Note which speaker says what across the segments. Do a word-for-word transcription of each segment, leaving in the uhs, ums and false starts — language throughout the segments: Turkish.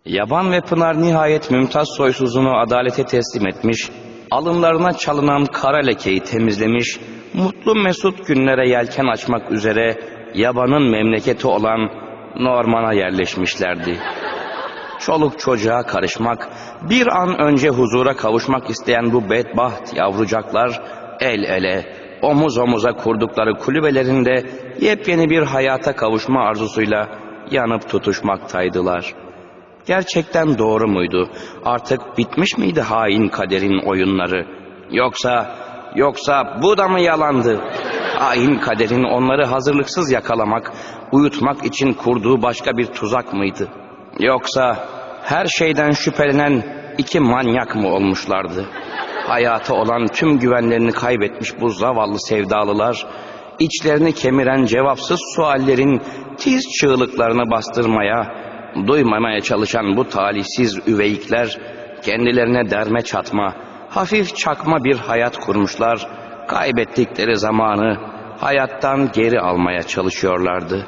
Speaker 1: Yaban ve Pınar nihayet Mümtaz soysuzunu adalete teslim etmiş, alınlarına çalınan kara lekeyi temizlemiş, mutlu mesut günlere yelken açmak üzere yabanın memleketi olan Norman'a yerleşmişlerdi. Çoluk çocuğa karışmak, bir an önce huzura kavuşmak isteyen bu bedbaht yavrucaklar el ele, omuz omuza kurdukları kulübelerinde yepyeni bir hayata kavuşma arzusuyla yanıp tutuşmaktaydılar. Gerçekten doğru muydu? Artık bitmiş miydi hain kaderin oyunları? Yoksa, yoksa bu da mı yalandı? Hain kaderin onları hazırlıksız yakalamak, uyutmak için kurduğu başka bir tuzak mıydı? Yoksa her şeyden şüphelenen iki manyak mı olmuşlardı? Hayata olan tüm güvenlerini kaybetmiş bu zavallı sevdalılar, içlerini kemiren cevapsız suallerin tiz çığlıklarını bastırmaya, duymamaya çalışan bu talihsiz üveyikler, kendilerine derme çatma, hafif çakma bir hayat kurmuşlar, kaybettikleri zamanı hayattan geri almaya çalışıyorlardı.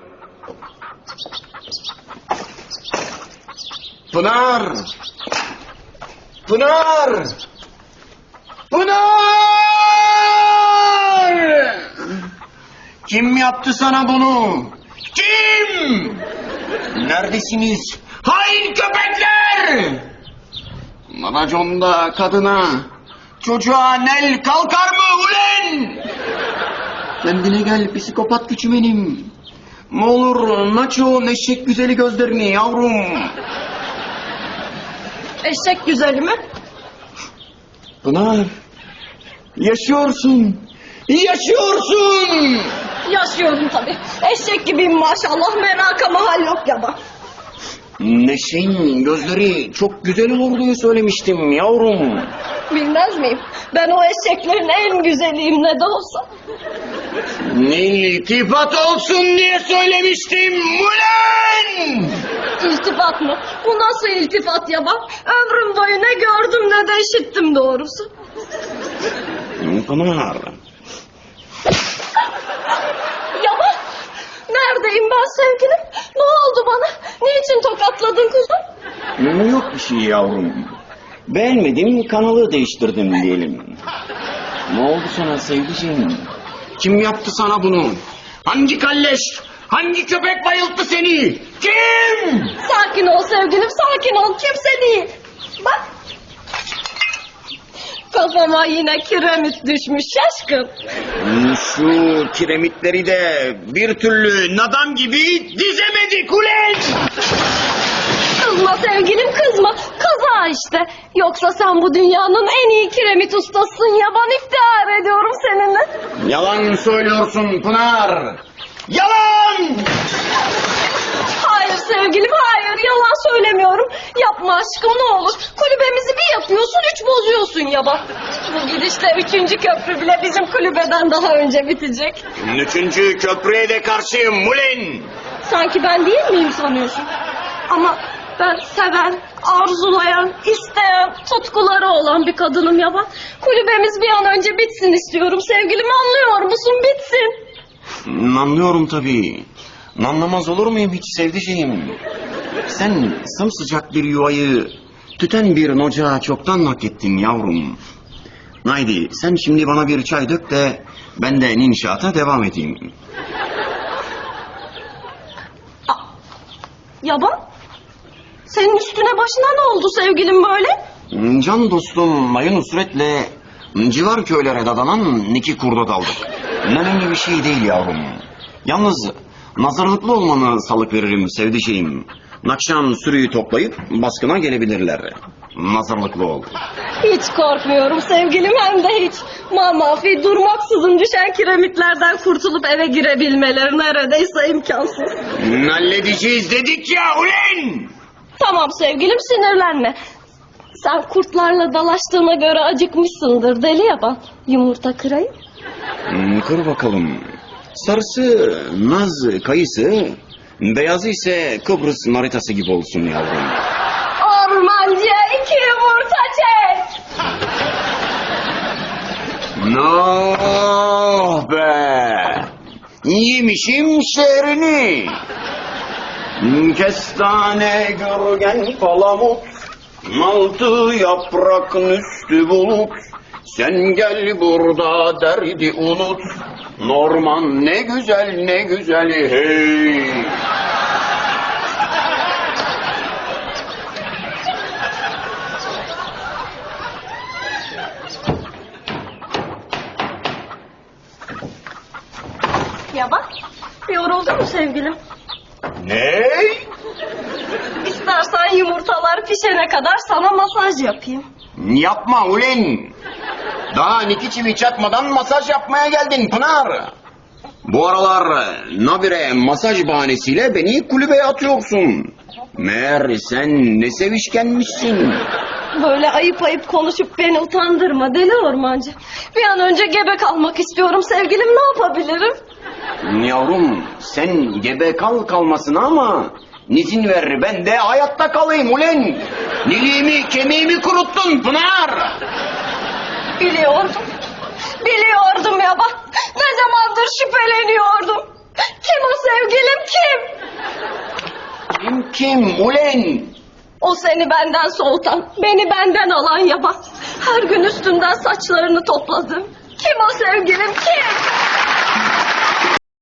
Speaker 2: Pınar! Pınar! Pınar! Kim yaptı sana bunu? Kim? Neredesiniz? Hain köpekler! Raconda kadına, çocuğa nel kalkar mı ulen? Kendine gel psikopat küçümenim. Ne olur aç o eşek güzeli gözlerini yavrum.
Speaker 3: Eşek güzeli mi?
Speaker 2: Pınar, yaşıyorsun, yaşıyorsun.
Speaker 3: Yaşıyorum tabii. Eşek gibiyim maşallah, meraka mahal yok yaban.
Speaker 2: Neşe'nin gözleri çok güzel olur diye söylemiştim yavrum.
Speaker 3: Bilmez miyim? Ben o eşeklerin en güzeliyim ne de olsa.
Speaker 2: Ne iltifat olsun diye söylemiştim ulan!
Speaker 3: İltifat mı? Bu nasıl iltifat yaban? Ömrüm boyu ne gördüm ne de işittim doğrusu.
Speaker 2: Pınar.
Speaker 3: Yaban! Neredeyim ben sevgilim? Ne oldu bana? Niçin tokatladın kuzum?
Speaker 2: Yok bir şey yavrum. Beğenmedim, kanalı değiştirdim diyelim. Ne oldu sana sevgiciğim? Kim yaptı sana bunu? Hangi kalleş, hangi köpek bayılttı seni? Kim?
Speaker 3: Sakin ol sevgilim, sakin ol. Kimse değil. Bak. Kafama yine kiremit düşmüş şaşkın.
Speaker 2: Şu kiremitleri de bir türlü nadam gibi dizemedik ulen!
Speaker 3: Kızma sevgilim, kızma. Kaza işte. Yoksa sen bu dünyanın en iyi kiremit ustasısın yaban, iftihar ediyorum seninle.
Speaker 2: Yalan söylüyorsun Pınar! Yalan!
Speaker 3: Hayır sevgilim, hayır. Yalan söylemiyorum. Yapma aşkım ne olur. Kulübemizi bir yapıyorsun, üç bozuyorsun yaban. Bu gidişle üçüncü köprü bile bizim kulübeden daha önce bitecek.
Speaker 2: Üçüncü köprüye de karşıyım ulen!
Speaker 3: Sanki ben değil miyim sanıyorsun? Ama ben seven, arzulayan, isteyen, tutkuları olan bir kadınım yaban. Kulübemiz bir an önce bitsin istiyorum sevgilim, anlıyor musun? Bitsin.
Speaker 2: Anlıyorum tabii. Anlamaz olur muyum hiç sevdiceğim? Sen sımsıcak bir yuvayı tüten bir ocağa çoktan hak ettin yavrum. Haydi sen şimdi bana bir çay dök de ben de inşaata devam edeyim.
Speaker 3: Yaban, senin üstüne başına ne oldu sevgilim böyle?
Speaker 2: Can dostum Mayın Nusret'le civar köylere dadanan iki kurda daldık. Önemli bir şey değil yavrum. Yalnız nazarlıklı olmanı salık veririm sevdiceğim. Akşam sürüyü toplayıp baskına gelebilirler. Nazarlıklı ol.
Speaker 3: Hiç korkmuyorum sevgilim, hem de hiç. Mamafi durmaksızın düşen kiremitlerden kurtulup eve girebilmeleri neredeyse imkansız.
Speaker 2: Halledeceğiz dedik ya ulen!
Speaker 3: Tamam sevgilim, sinirlenme. Sen kurtlarla dalaştığına göre acıkmışsındır deli yaban. Yumurta kırayım.
Speaker 2: Hmm, kır bakalım. Sarısı naz kayısı, beyazı ise Kıbrıs naritası gibi olsun yavrum.
Speaker 3: Ormancıya iki yumurta çek.
Speaker 2: No be! Yemişim şehrini. Kestane gürgen palamut, altı yaprakın üstü bulut. Sen gel burada derdi unut, Norman ne güzel ne güzel hey.
Speaker 3: Ya bak, yoruldun mu sevgilim?
Speaker 2: Ne?
Speaker 3: İstersen yumurtalar pişene kadar sana masaj yapayım.
Speaker 2: Yapma ulen. Daha niki çivi çakmadan masaj yapmaya geldin Pınar. Bu aralar nabire masaj bahanesiyle beni kulübeye atıyorsun. Meğer sen ne sevişkenmişsin.
Speaker 3: Böyle ayıp ayıp konuşup beni utandırma deli ormancı. Bir an önce gebe kalmak istiyorum sevgilim, ne yapabilirim?
Speaker 2: Yavrum sen gebe kal kalmasına ama nizin ver ben de hayatta kalayım ulen. Niliğimi kemiğimi kuruttun Pınar.
Speaker 3: Biliyordum. Biliyordum ya bak. Ne zamandır şüpheleniyordum. Kim o sevgilim, kim?
Speaker 2: Kim kim ulen?
Speaker 3: O seni benden soğutan, beni benden alan yaban. Her gün üstünden saçlarını topladım. Kim o sevgilim, kim?